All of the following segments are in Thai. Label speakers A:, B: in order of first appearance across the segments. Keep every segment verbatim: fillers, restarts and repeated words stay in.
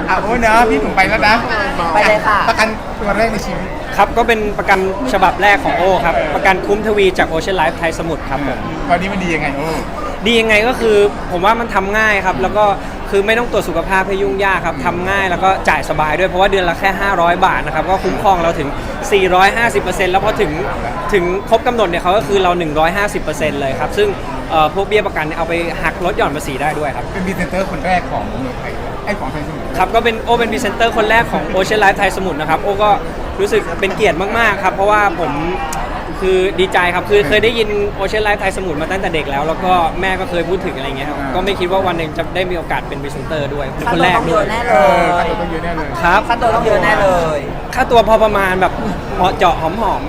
A: อ่ะโอ้เนาะพี่หนุ่มไปแล้วนะ
B: ไปเลยค่ะ
A: ประกันตัวแรกในชีวิต
C: ครับก็เป็นประกันฉบับแรกของโอครับประกันคุ้มทวีจากโอเชียนไลฟ์ไทยสมุทรครับผม
A: ตอนนี้มันดียังไงโอ้
C: ดียังไงก็คือผมว่ามันทำง่ายครับแล้วก็คือไม่ต้องตรวจสุขภาพให้ยุ่งยากครับทำง่ายแล้วก็จ่ายสบายด้วยเพราะว่าเดือนละแค่ห้าร้อยบาทนะครับก็คุ้มครองเราถึง สี่ร้อยห้าสิบเปอร์เซ็นต์ แล้วพอถึงถึงครบกำหนดเนี่ยเขาก็คือเรา หนึ่งร้อยห้าสิบเปอร์เซ็นต์ เลยครับซึ่งเอ่อพวกเบี้ยประกันเนี่ยเอาไปหักลดหย่อนภาษีได้ด้วยครับ
A: เป็นพรีเซนเตอร์คนแรกของเมืองไทยไอ้ของไทยสมุทร
C: ครับก็เป็นโอเป็นพรีเซนเตอร์คนแรกของ Ocean Life ไทยสมุทรนะครับโอก็รู้สึกเป็นเกียรติมากๆครับเพราะว่าผมคือดีใจครับคือเคยได้ยิน Ocean Life ไทยสมุทรมาตั้งแต่เด็กแล้วแล้วก็แม่ก็เคยพูดถึงอะไรเงี้ยครับก็ไม่คิดว่าวันหนึ่งจะได้มีโอกาสเป็นพรีเซนเตอร์ด้วยเป็นคนแรก
B: ต้องเย
C: ด้วย
B: อะแน่เล
A: เออย ค่าตัวต้องเยอะแน่เลย
C: ครับ
B: ค่าตัวต้องเยอะแน่เลย
C: ค่าตัวพอประมาณแบบเหมาะเจาะหอม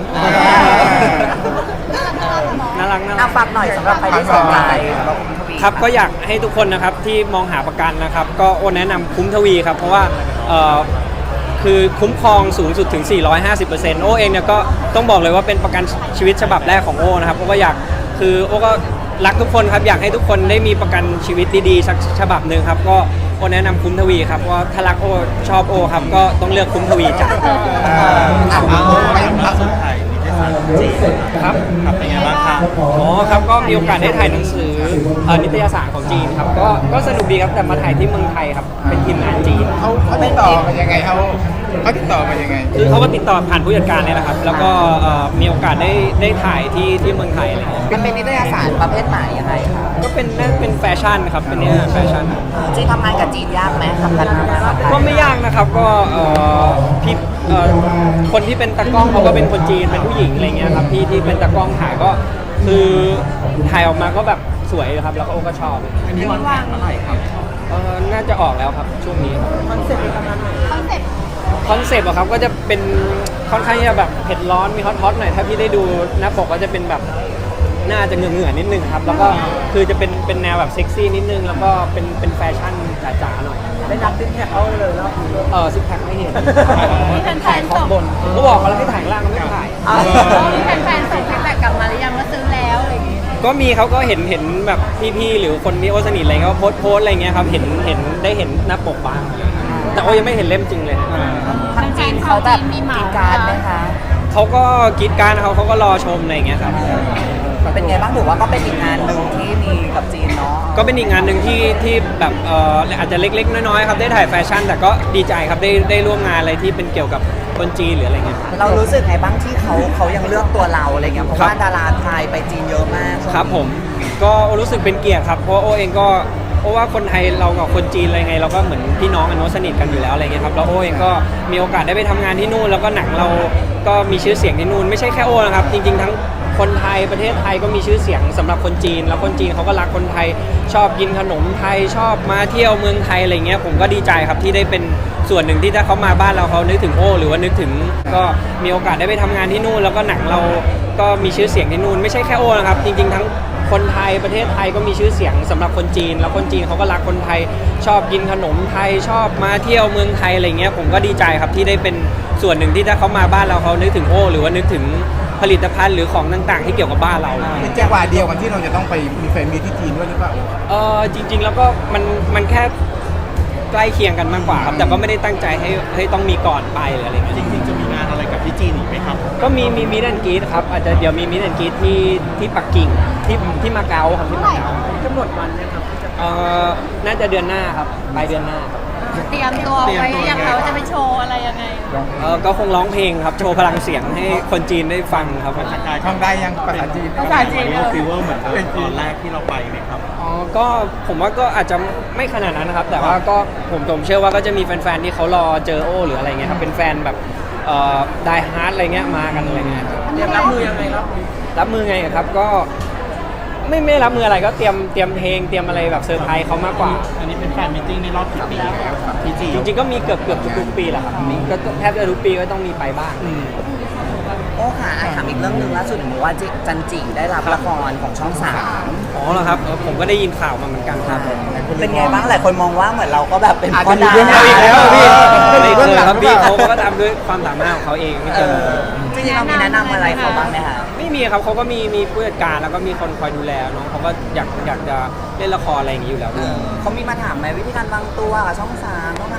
C: ๆน่ารักน่ารั
B: อ่ะ
C: ก
B: ฝากหน่อยสำหรับใครที่สนใจสำหรับคุณทวี
C: ครับก็อยากให้ทุกคนนะครับที่มองหาประกันนะครับก็โอแนะนำคุ้มทวีครับเพราะว่าเอ่อคือคุ้มครองสูงสุดถึง สี่ร้อยห้าสิบเปอร์เซ็นต์ โอเองเนี่ยก็ต้องบอกเลยว่าเป็นประกันชีวิตฉบับแรกของโอนะครับเพราะว่าอยากคือโอก็รักทุกคนครับอยากให้ทุกคนได้มีประกันชีวิตดีๆสักฉบับหนึ่งครับก็โอแนะนำคุ้มทวีครับเพราะว่าถ้ารักโอชอบโอครับก็ต้องเลือกคุ้มทวีจ้ะ
A: อ่ะโอ้ไปพักสุดท้าย
C: ครับ
D: ครับเป็นไงบ้างครับ
C: อ๋อครับก็มีโอกาสได้ถ่ายหนังสือเอ่อนิตยสารของจีนครับก็ก็สนุกดีครับแต่มาถ่ายที่เมืองไทยครับเป็นทีมงานจีน
A: เขาเขาติดต่อมายังไงเขาเขาติดต่อมายังไง
C: คือเขาก็ติดต่อผ่านผู้จัดการเนี่ยแหละครับแล้วก็เอ่อมีโอกาสได้ได้ถ่ายที่ที่เมืองไทยอะไรเงี้ย
B: มันเป็นนิตยสารประเภทไหนยังไงคะ
C: ก็เป็นน่าเป็นแฟชั่นครับเป็นเนี่ยแฟชั่น
B: จีนทำงานกับจีนยากไหมทำกันมาไหม
C: ก็ไม่ยากนะครับก็เอ่อพี่เอ่อคนที่เป็นตากล้องเขาก็เป็นคนจีนเป็นผู้หญิงอะไรเงี้ยครับที่ที่เป็นตากล้องถ่ายก็คือถ่ายออกมาก็แบบสวยครับแล้วก็โอ้ก็ชอบ
D: อันนี้วันแข่งเมื่อไหร่ครับ
C: เออน่าจะออกแล้วครับช่วงนี้ครับ
B: คอนเซ็ปต์ประมาณไหน
C: คอนเซปต์อะครับก็จะเป็นค่อนข้างจะแบบเผ็ดร้อนมีฮอตๆหน่อยถ้าพี่ได้ดูหน้าปกก็จะเป็นแบบน่าจะเหงื่อๆนิดนึงครับแล้วก็คือจะเป็นเป็นแนวแบบเซ็กซี่นิดนึงแล้วก็เป็นเป็นแฟชั่นจ๋าๆหน่อย
B: ได้นับซิกแพคเขาเลยแล้ว
C: เออซิกแพคไม่เห็น
E: มีแฟนๆส่ง
C: บนก็บอกเขาแล้วให้ถ่ายข้างล่างก็ไม่ถ่าย
E: มีแฟนๆส่งฟีดแบ็กกลับมาหรือยังว่าซื้อแล้วอะไรอย่างงี้
C: ก็มีเขาก็เห็นเห็นแบบพี่ๆหรือคนที่โอสนิทอะไรเขาโพสต์โพสต์อะไรเงี้ยครับเห็นเห็นได้เห็นหน้าปกบ้างแต่โอยังไม่เห็นเล่มจริงเลย
B: ทางจีนเขาแบบมีการดไหมคะ
C: เขาก็กรีดกรารเขาเขาก็รอชมอะไรเงี้ยครับ
B: เป็นไงบ้างถือว่าก็เป็นอีกงานหนึ่งที่มีกับจีนเนาะ
C: ก็เป็นอีกงานหนึ่งที่ที่แบบเอ่ออาจจะเล็กๆน้อยๆครับได้ถ่ายแฟชั่น แต่ก็ดีใจครับได้ได้ร่วมงานอะไรที่เป็นเกี่ยวกับคนจีนหรืออะไรเงี้ย
B: เรารู้สึกไงบ้างที่เขาเขายังเลือกตัวเราอะไรเงี้ยเพราะว่าดาราไทยไปจีนเยอะมาก
C: ครับผมก็รู้สึกเป็นเกียรติครับเพราะว่าโอเองก็เพราะว่าคนไทยเรากับคนจีนอะไรไงเราก็เหมือนพี่น้องกันเนอะสนิทกันอยู่แล้วอะไรเงี้ยครับแล้วโอเองก็มีโอกาสได้ไปทำงานที่นู่นแล้วก็หนังเราก็มีชื่อเสียงที่นู่นไม่ใช่แค่โอนะครับจริงๆทั้งคนไทยประเทศไทยก็มีชื่อเสียงสำหรับคนจีน แล้วคนจีนเขาก็รักคนไทยชอบกินขนมไทยชอบมาเที่ยวเมืองไทยอะไรเงี้ยผมก็ดีใจครับที่ได้เป็นส่วนหนึ่งที่ถ้าเขามาบ้านเราเขานึกถึงโอหรือว่านึกถึงก็มีโอกาสได้ไปทำงานที่นู่นแล้วก็หนังเราก็มีชื่อเสียงที่นู่นไม่ใช่แค่โอนะครับจริงๆทั้งคนไทยประเทศไทยก็มีชื่อเสียงสำหรับคนจีน แล้วคนจีนเขาก็รักคนไทยชอบกินขนมไทยชอบมาเที่ยวเมืองไทยอะไรเงี้ยผมก็ดีใจครับที่ได้เป็นส่วนหนึ่งที่ถ้าเขามาบ้านเราเขานึกถึงโอหรือว่านึกถึงผลิตภัณฑ์หรือของต่างๆ ที่เกี่ยวกับบ้านเรา
A: เป็นจังหวะเดียวกันที่เราจะต้องไปมีแฟนมีที่จีนด้วยหรือเปล่า
C: เออจริง ๆ แล้วก็มันมันแค่ใกล้เคียงกันมากกว่าครับแต่ก็ไม่ได้ตั้งใจให้ให้ต้องมีก่อนไปหรืออะไรเงี้ย
D: จริงๆจะมีงานอะไรกับที่จีนอีกไหมครับ
C: ก็มีมีมิดแอนกีดครับอาจจะเดี๋ยวมีมิดแอนกีดที่ที่ปักกิ่งที่ที่มาเก๊าครับที่มาเก๊ากำหนดวันนะครับเอ่อน่าจะเดือนหน้าครับปลายเดือนหน้าครับ
E: เตรียมตัวไว้หรือยังคะว่าจะไปโชว์อะไรยังไง
C: เออก็คงร้องเพลงครับโชว์พลังเสียงให้คนจีนได้ฟังครับ
D: สกาย
A: ท่องได้ยังภาษาจีน
E: ภาษาจีน
D: ฟีเวอร์เหมือนเดิมตอนแรกที่เราไปไหมครับ
C: อ๋อก็ผมว่าก็อาจจะไม่ขนาดนั้นนะครับ แต่ว่าก็ผมผมเชื่อว่าก็จะมีแฟนๆที่เขารอเจอโอหรืออะไรเงี้ยครับเป็นแฟนแบบเอ่อไดฮาร์ดอะไรเงี้ยมากันอะไรเงี้ย
B: เตรียมรับมือยังไงครับ
C: รับมือไงครับก็ไม่ไม่รับมืออะไรก็เตรียมเตรียมเพลงเตรียมอะไรแบบเซอร์ไพรส์เขามากกว่า
D: อันนี้เป็นแฟนมิทติ้งในรอบกี่ปีแล้วครับที่จีน
C: จริงๆก็มีเกือบเกือบทุกๆปีแหละครับมีก็แทบจะทุกปีก็ต้องมีไปบ้าง
B: โอ้ค่ะอ่ะถามอีกเรื่องหนึ่งล่าสุดเห็นว่าจิจันจิได้รับละครของช่องสาม
C: อ๋อเหรอครับเออผมก็ได้ยินข่าวมาเหมือนกันครับ
B: เป็นไงบ้างหลายคนมองว่าเหมือนเราก็แบบเป็น
A: อาจ
B: พ่อ
A: จะมี
B: ดา
A: เรื่อง
B: รา
A: ราว
C: อีกแล้วอะพี่
A: เออ
C: ไม่เคยครับพี่
A: เออ
C: เขาก็ทำด้วยความสามารถของเขาเองไม่
B: เอ
C: เจอ
B: อจริงๆเรามีแนะนำอะไรเขาบ้างไหมคะ
C: ไม่มีครับเขาก็มีมีผู้จัดการแล้วก็มีคนคอยดูแลน้องเขาก็อยากอยากจะเล่นละครอะไรอย่างนี้อยู่แล้ว
B: เอ
C: ด้วย
B: อเขามีมาถามไหมวิธีการวางตัวกับช่องสามต้องทำยังไง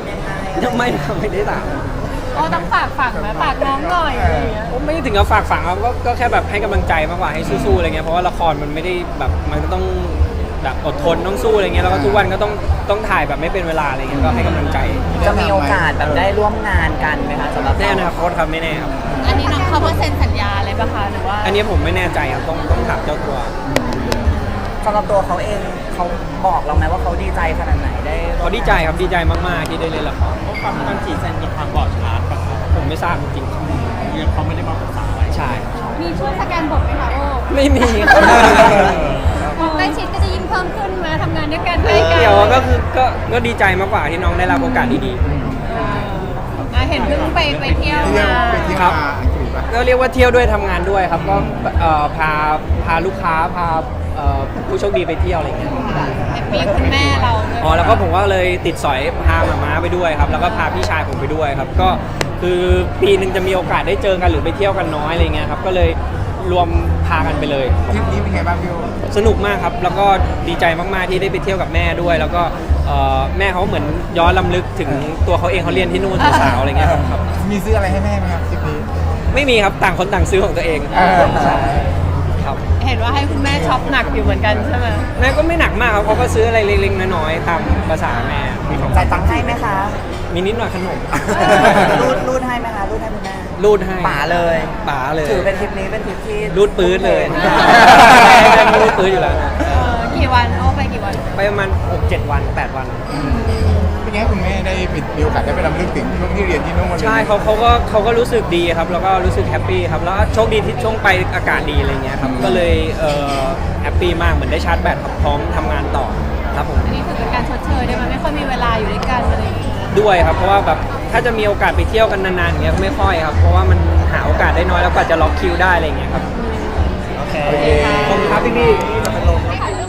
C: ยังไม่ไม่ได้ถาม
E: โอ้ต้องฝากฝังไหมฝากน้องหน่อยอะไรอย่างเงี้ย
C: ผมไม่ได้ถึงกับฝากฝังครับก็ก็แค่แบบให้กำลังใจมากกว่าให้สู้ๆอะไรเงี้ยเพราะว่าละครมันไม่ได้แบบมันก็ต้องแบบอดทนต้องสู้อะไรเงี้ยแล้วก็ทุกวันก็ต้องต้องถ่ายแบบไม่เป็นเวลาอะไรเงี้ยก็ให้กำลังใจ
B: จะมีโอกาสแบบได้ร่วมงานกันไหมคะสำหรับ
C: แน่นะครับโค้ชครับไม่แน่ครับ
E: อันนี้น้องเขาเพิ่งเซ็นสัญญาเลยปะคะหรือว่า
C: อันนี้ผมไม่แน่ใจครับต้องต้องถามเจ้าตัว
B: สำหรับตัวเขาเองเขาบอกเราไหมว่าเขาดีใจขนาดไหนได้ร่วม
C: เขาดีใจครับดีใจมากๆที่ได้เล่นละคร
D: เพราะความจันจีเซนมีความบอดชาร์จปะครับ
C: ผมไม่ทราบจริงๆครับ
D: ยังเขาไม่ได้มาปรึกษาอะไร
C: ใช่
E: มีช่วยสแกนบทไหมคะโอ้
C: ไม่มีครับ
E: ใกล้ชิดก็จะยิ่งเพิ่มขึ้นมาทำงานด้วยกันใกล้กัน
C: เดี๋ยวก็คือก็ก็ดีใจมากกว่าที่น้องได้รับโอกาสดี
E: อ่ะเห็นเพิ่งไปไปเที่ยว
A: เที่ยว
E: มา
A: ไปเที่ยว
C: ครับ
A: มาอังกฤษปะ
C: ๆก็เรียกว่าเที่ยวด้วยทำงานด้วยครับก็เอ่อพาพาลูกค้าพาเอ่อผู้โชคดีไปเที่ยวอะไรอย่างเงี้ย
E: มีคุณแม่เราด้วย
C: อ๋อแล้วก็ผมก็เลยติดสอยพาหมาม้าไปด้วยครับ แล้วก็พาพี่ชายผมไปด้วยครับ ก็คือปีหนึ่งจะมีโอกาสได้เจอกันหรือไปเที่ยวกันน้อยอะไรเงี้ยครับก็เลยรวมพากันไปเลย
A: ทริปนี้เป็นไงบ้างพี่โอ
C: สนุกมากครับ แล้วก็ดีใจมากๆที่ได้ไปเที่ยวกับแม่ด้วย แล้วก็เอ่อแม่เขาเหมือนย้อนลำลึกถึงตัวเขาเองเขาเรียนที่นู่นสาวๆอะไรเงี้ยครับ
A: มีซื้ออะไรให้แม่ไหมครับทริปนี้
C: ไม่มีครับต่างคนต่างซื้อของตัวเอง
A: เออ
C: ใช่ครับ
E: เห็นว่าให้คุณแม่ช็อปหนักอยู่เหมือนกันใช่ไหม
C: แม่ก็ไม่หนักมากครับเขาก็ซื้ออะไรเล็กๆน้อยๆตามภาษาแม่มีของ
B: จ่ายตังค์ให้ไหมคะ
C: มีนิดหน่อยขนม
B: รูดรูดให้ไหมคะรูดให้คุณแม่
C: รูดให้
B: ป๋าเลย
C: ป๋าเลย
B: ถือเป็นทริปนี้เป็นทริปที่
C: รูดปื้ดเลย
B: ทุ่ม
C: แม่รูดปื้ดอยู่แล้ว
E: เออกี่วันโอ้ไปกี่วัน
C: ไปประมาณหกเจ็ดวันแปดวัน
A: เป็นไงให้คุณแม่ได้มีโอกาสได้ไปรำลึกถึงช่วงที่เรียนที่นู่น
C: ใช่เขาเขาก็เขาก็รู้สึกดีครับ แล้วก็รู้สึกแฮปปี้ครับ แล้วโชคดีที่ช่วงไปอากาศดีอะไรเงี้ยครับ ก็เลยเอ่อแฮปปี้มากเหมือนได้ชาร์จแบตครับพร้อมทำงานต่อครับผม
E: อันนี้ถือเป็นการชดเชยได้ไหมไม่ค่อยมีเวลาอยู่ด้วยกันอะไรอย่างเงี้ย
C: ด้วยครับ เพราะว่าแบบถ้าจะมีโอกาสไปเที่ยวกันนานๆอย่างเงี้ยไม่ค่อยครับ เพราะว่ามันหาโอกาสได้น้อยแล้วกว่าจะล็อกคิวได้อะไรเงี้ยครับ
B: โอเค
C: ขอบคุณครับพี่พี่
B: จะเป็นลม